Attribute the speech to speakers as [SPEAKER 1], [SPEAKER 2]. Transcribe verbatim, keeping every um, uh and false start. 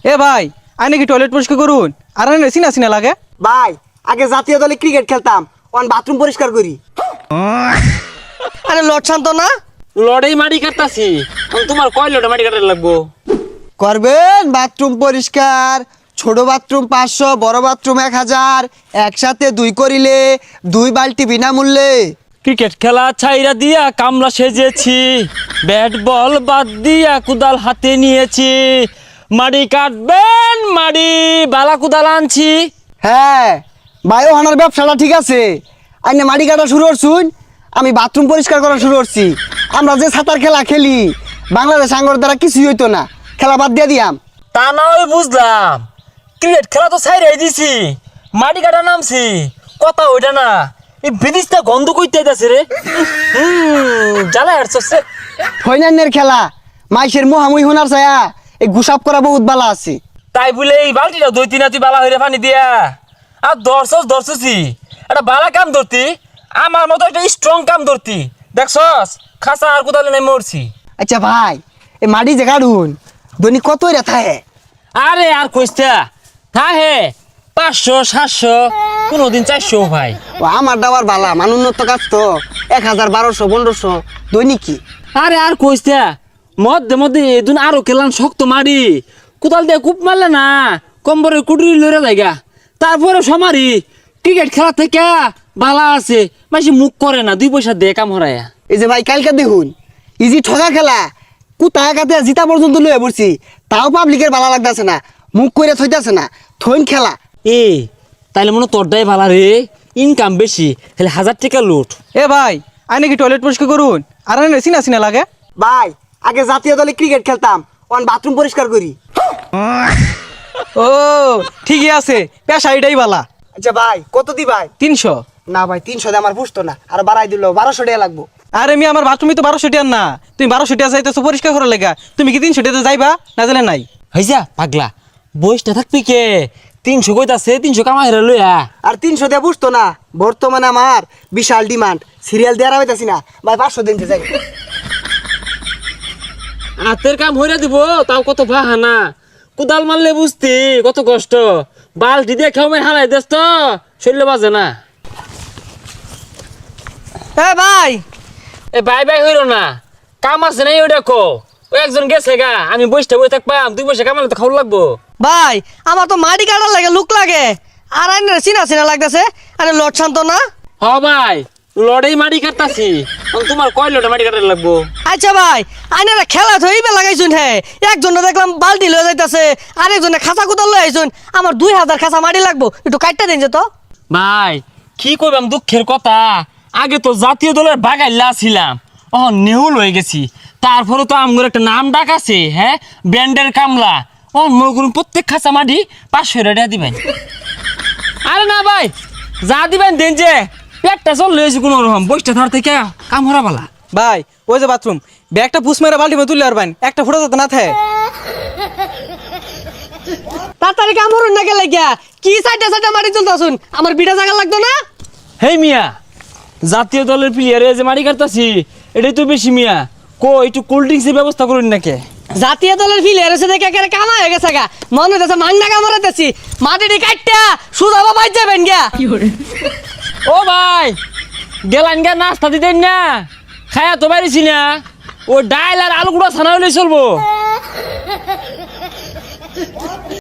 [SPEAKER 1] এ ভাই আই নাকি টয়লেট পরিষ্কার করুন আর আনে সিনা সিনা লাগে
[SPEAKER 2] ভাই আগে জাতীয় দলে ক্রিকেট খেলতাম অন বাথরুম পরিষ্কার করি।
[SPEAKER 3] আরে লট শান্ত না
[SPEAKER 4] লড়াই মাটি কাটতাছি তোমার কয় লড়াই মাটি কাটার লাগবো
[SPEAKER 2] করবেন বাথরুম পরিষ্কার। ছোট বাথরুম পাঁচশো, বড় বাথরুম এক হাজার, একসাথে দুই করিলে দুই বালতি বিনামূল্যে।
[SPEAKER 4] ক্রিকেট খেলা ছাইরা দিয়া কামলা সেজেছি, ব্যাট বল বাদ দিয়া কুদাল হাতে নিয়েছি, মাটি কাটবেন মাটি বালা কুদাল আনছি।
[SPEAKER 2] হ্যাঁ বায়ো হানার ব্যবসাটা ঠিক আছে। আইনে মাটি কাটা শুরু করছুন, আমি বাথরুম পরিষ্কার করা শুরু করছি। আমরা যে সাঁতার খেলা খেলি বাংলাদেশ আঙ্গর দ্বারা কিছুই হইতো না, খেলা বাদ দিয়ে দিয়াম।
[SPEAKER 4] তা না হয় বুঝলাম, ক্রিকেট খেলা তো ছাইরাই দিছি, মাটি কাটা নামছি, কথা ওইটা না। এই বিদিশটা গন্ধ কইতে যাচ্ছে রে, হুম জ্বালা হাঁটছে।
[SPEAKER 2] ফৈনান্যের খেলা মাইসের মোহামুই হোনার ছায়া এই গুসাপ করা বহুত বালা আছে।
[SPEAKER 4] তাই বলে এই বালতিটা দুই তিন তুই বালা হইরে পানি দিয়া আর দর্শস দর্শসি একটা বালা কাম ধরতি, আমার মতো একটা স্ট্রং কাম ধরতি, দেখছস খাসা আর কোদালে নাই মরছি।
[SPEAKER 2] আচ্ছা ভাই এই মাটি যে কাটুন দৈনিক কত রেথা হে?
[SPEAKER 4] আরে আর কইস্তা থা হে পাঁচশো সাতশো কোনোদিন চারশো ভাই।
[SPEAKER 2] ও আমার দাবার বালা মান উন্নত কাজ তো এক হাজার বারোশো পনেরোশো দৈনিক কি।
[SPEAKER 4] আরে আর কইস্তা মধ্যে মধ্যে এদিন আরো কেলান শক্ত মারি কোদাল দিয়ে কূপ মারলে না কম্বরের কুটুরি লড়ে লাগা, তারপরে সমারি ক্রিকেট খেলা থেকে বালা আছে মাসি মুখ করে না, দুই পয়সা দে কাম হরায়া।
[SPEAKER 2] এই যে ভাই কালকে দেখুন ইজি ঠগা খেলা কুতায় কাতে জিতা পর্যন্ত লয়ে পড়ছি, তাও পাবলিকের বালা লাগতেছে না, মুখ করে থইতাছে না, থইন খেলা।
[SPEAKER 4] এ তাইলে মনে তোরটাই ভালা রে, ইনকাম বেশি, তাহলে হাজার টাকা লুট।
[SPEAKER 1] এ ভাই আই নাকি টয়লেট পরিষ্কার করুন আর আনে সিনা সিনা লাগে
[SPEAKER 2] ভাই আগে জাতীয় দলে ক্রিকেট খেলতাম অন বাথরুম পরিষ্কার করি।
[SPEAKER 1] ও ঠিকই আছে, পেশা এটাই বালা।
[SPEAKER 2] আচ্ছা ভাই কত দি ভাই?
[SPEAKER 1] তিনশো।
[SPEAKER 2] না ভাই তিনশো দিয়ে আমার বুঝতো না, আর বাড়াই দিল বারোশো টাকা লাগবো।
[SPEAKER 1] আরে মি আমার বাথরুমে তো বারোশো টিয়ার না, তুমি বারোশো টিয়া যাইতেছো পরিষ্কার করার লেগা, তুমি কি তিনশো টিয়াতে যাইবা না জানে নাই?
[SPEAKER 4] হয়েছা পাগলা বয়সটা থাকবি কে, তিনশো কইতাছে তিনশো কামাই রে লইয়া।
[SPEAKER 2] আর তিনশো দিয়ে বুঝতো না, বর্তমানে আমার বিশাল ডিমান্ড, সিরিয়াল দেওয়ার হইতাছি না ভাই, পাঁচশো দিন যাই।
[SPEAKER 4] হাতের কাম হইরা দিব তাও কত বাহানা, কোদাল মারলে বুঝতি কত কষ্ট, বালতি দিয়ে খেয়ে হারাই দেস তো শরীরে বাজে না।
[SPEAKER 3] এ ভাই
[SPEAKER 4] এ বাই বাই হইল না, কাম আছে নাই ওই দেখো, ওই একজন গেছে গা, আমি বসটা বই থাকবাম, দুই পয়সা কামালে তো খাওয়া লাগবো।
[SPEAKER 3] ভাই আমার তো মাটি কাটার লাগে লুক লাগে, আর আইনে চিনা চিনা লাগতেছে। আরে লট শান্ত না
[SPEAKER 4] হ ভাই লড়াই মাটি কাটতাছি, তোমার কয় লড়াই মাটি কাটার লাগবো?
[SPEAKER 3] আচ্ছা ভাই আইনারা খেলা থইবে লাগাইছুন, হে একজনে দেখলাম বালতি লয়ে যাইতাছে, আরেকজনে খাঁচা কুদাল লয়ে আইছুন, আমার দুই হাজার খাঁচা মাটি লাগবো, একটু কাটটা দিন যে তো।
[SPEAKER 4] ভাই কি কইবাম দুঃখের কথা, আগে তো জাতীয় দলের বাগাইলা ছিলাম, ও নেহুল হয়ে গেছি, তারপরে তো আমগর একটা নাম ডাক আছে, হ্যাঁ ব্যান্ডের কামলা, ও মগুর প্রত্যেক খাঁচা মাটি পাঁচশো টাকা দিবেন। আরে না ভাই যা দিবেন দেন, যে পেটটা চল লয়েছি কোনো রকম, বইটা ধর থেকে কাম হরা বালা।
[SPEAKER 1] ভাই ওই যে বাথরুম ব্যাগটা পুষ মেরে বাল্টি মে তুললে আর বাইন একটা ফুটা যাতে না থাকে।
[SPEAKER 3] তাড়াতাড়ি কামড়ুন না গেলে গিয়া কি সাইডে সাইডে মাটি তুলতাছুন, আমার বিটা জায়গা লাগতো না।
[SPEAKER 4] হেই মিয়া জাতীয় দলের প্লেয়ারে যে মাটি কাটতাছি এটাই তো বেশি মিয়া, কো একটু কোল্ড ড্রিঙ্কসের ব্যবস্থা করুন নাকি?
[SPEAKER 3] জাতীয় দলের ফিলিয়ার এসে দেখে একেবারে কামা হয়ে গেছে গা, মনে হইতেছে মাংনা কামড়াইতেছি, মাটিটি কাটটা সুদা বাবাই যাবেন গিয়া।
[SPEAKER 4] ও ভাই গেলান গা নাস্তা দিতেন না, খায়া তো পারিছি না, ও ডাইল আর আলু গুঁড়া ছানা হলে চলবো।